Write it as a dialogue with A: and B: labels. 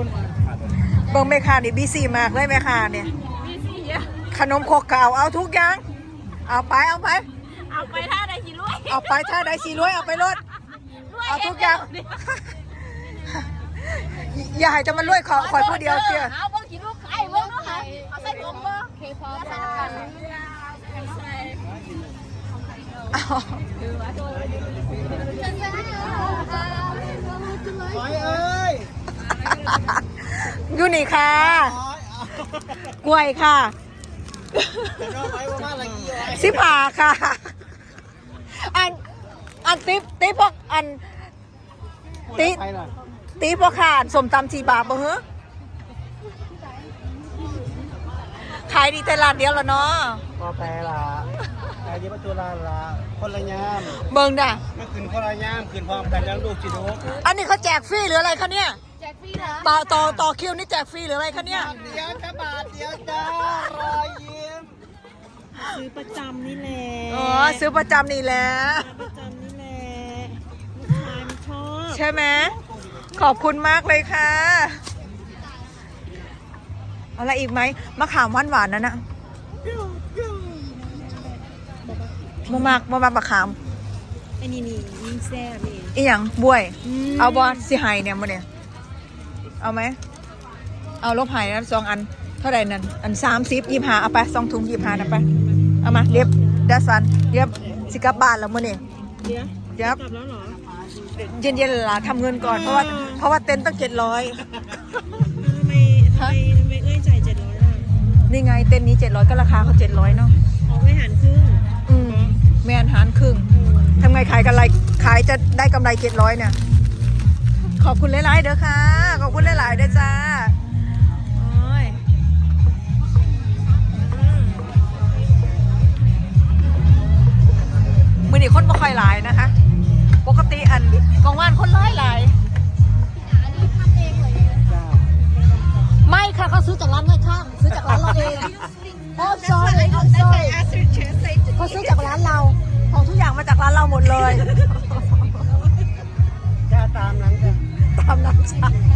A: เบิ่งแม่ค้านี่บีซีมากเลยแม่ค้าเนี่ยขนมครกเก่าเอาทุกอย่างเอาไป
B: ท่าใดสิรวย
A: เอาไปถ้าได้สีรวยเอาไปรถเอาทุกอย่างอย่าให้จะมันรวยขอยผู้เดียวเชียว
B: เอาเบิ่งสิลูกไข่เบิ่งเนาะค่ะเอาใส่ถุงบ่เคพอใส่กัน
A: อยู่นี่ค่ะกล้วยค่ะ15ค่ะอันติ๊บพวกอันตีพวกขาดสมตำ4 บาทบ่เหรอขายดีแต่ร้านเดียวแล้วเนาะ
C: ก็แปลละขายดีประตูละคนละยาม
A: เบิ่งด่ะ
C: มันขึ้นคนละยามขึ้นพร้อมกันแล้วลูกจิโด
A: อันนี้เขาแจกฟรีหรืออะไรคะเนี่ย
B: แจกฟรีเหรอ
A: ต่อคิวนี่แจกฟรีหรืออะไรคะเนี่ย
C: เดียวจ้าบาทเดียวจ้ารอยยิ้ม
D: ซื้อประจำนี่แหละ
A: อ๋อซื้อประจำนี่แหละ
D: ประจำนี่แหละลูกชายมันชอบ
A: ใช่ไหมขอบคุณมากเลยค่ะอะไรอีกไหมมะขามหวานนั่นนะมามามะขาม
D: ไอ้นี่ยิ่งแซ่บนี่
A: อีหยังบวยเอาบอสิไฮเนี่ยมาเนี่ยเอาไหมเอาลบไฮนะ2 อันเท่าไหร่นั่นอัน30 25เอาไป2 ถุง25นะไปเอามาเรียบดัสันเรียบสิกลับบ้านแล้วมื้อนี้
D: เดี๋ยวกลับแล้วเหรอ
A: เย็นๆล่ะทำเงินก่อนเพราะว่าเต็นท์ตั้ง700
D: ทำไมเอ้ยจ่าย700ล่ะ
A: นี่ไงเต็นท์นี้700ก็ราคาเขา700เนาะ
D: เอาไว้หารครึ่ง
A: แม่นหารครึ่งทำไงขายกันไรขายจะได้กำไร700เนี่ยขอบคุณหลายๆเด้อค่ะขอบคุณหลายๆเด้อจ้าโอ้ยมื้อนี้คนบ่ค่อยหลายนะคะปกติอันกองว่านคนหลายไม่ค่ะเขาซื้อจากร้านข้างซื้อจากร้านเราเองเขาซอยเขาซื้อจากร้านเราของทุกอย่างมาจากร้านเราหมดเลย
C: แค่ตามนั้นจ้ะ
A: ตามนั้นจ้ะ